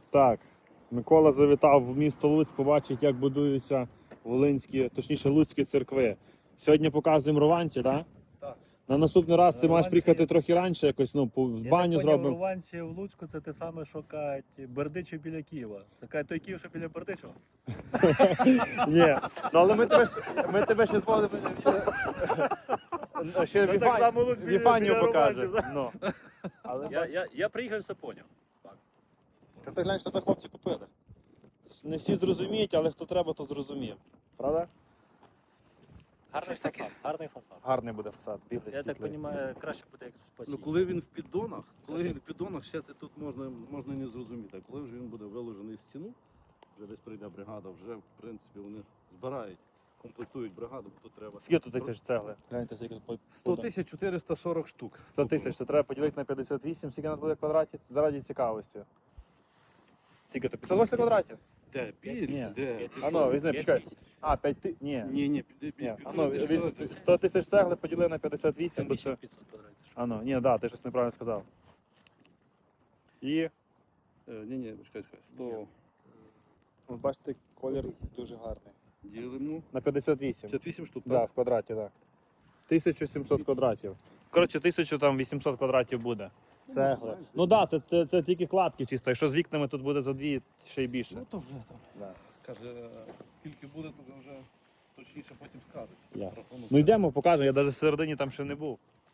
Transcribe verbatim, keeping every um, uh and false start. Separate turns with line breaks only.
Так, Микола завітав в місто Луцьк, побачить, як будуються волинські, точніше, луцькі церкви. Сьогодні показуємо Рованці, так?
Так.
На наступний раз ти маєш
Рованці-
приїхати трохи раніше, якось, ну, по-
Я
баню
так поняв,
зробимо.
Рованці в Луцьку це те саме, що кажуть Бердичів біля Києва. Це кажуть, той Київ, що біля Бердичева.
Ні, ну але ми тебе, ж- ми тебе ще звали. Ще
Ну,
Віфа-
так само Луцьк біля-
Віфанію
біля
покаже.
Рованців,
Ну. Але
Я,
бач,
я, я приїхав і все поняв.
Та ти глянь, що це хлопці купили. Це ж не всі зрозуміють, але хто треба, то зрозуміє. Правда?
Гарний фасад. Гарний фасад.
Гарний буде фасад, білий,
Я так
світлий.
розумію, краще буде, як в
Ну,
спасі.
коли він в піддонах, коли він в піддонах, ще ти тут можна, можна і не зрозуміти. А коли вже він буде виложений в стіну, вже десь прийде бригада, вже в принципі вони збирають, комплектують бригаду, бо тут треба.
Скільки тут тисяч цегли? Гляньте, скільки тут
сто тисяч чотириста сорок штук.
сто тисяч, це треба поділити на п'ятдесят вісім, скільки у нас буде квадратів, заради цікавості. Скільки то? п'ятсот вісім квадратів?
Де? П'ять?
Ні.
Де?
А ну, візьми, почекай. А, п'ять тисяч, ні.
Ні, ні, піди,
Ні,
піди,
а ну,
піди,
візьми,
піди.
сто тисяч цегли поділи на п'ятдесят вісім, бо це...
п'ятсот квадратів.
А ну, ні, да, ти щось неправильно сказав. І,
Е, Ні, ні, чекай, чекай. сто
ви бачите, колір дуже гарний.
ділимо.
На п'ятдесят вісім.
п'ятдесят вісім штук,
Да,
так?
в квадраті, так. тисяча сімсот квадратів. Коротше, тисяча вісімсот квадратів буде. Цегли. Ну так, да, це, це, це тільки кладки чисто. Якщо з вікнами тут буде за дві, ще й більше.
Ну то вже там.
Да.
Каже, скільки буде, то вже точніше потім скажуть.
Ясно.
Рахунок.
Ну йдемо, покажемо, я навіть в середині там ще не був.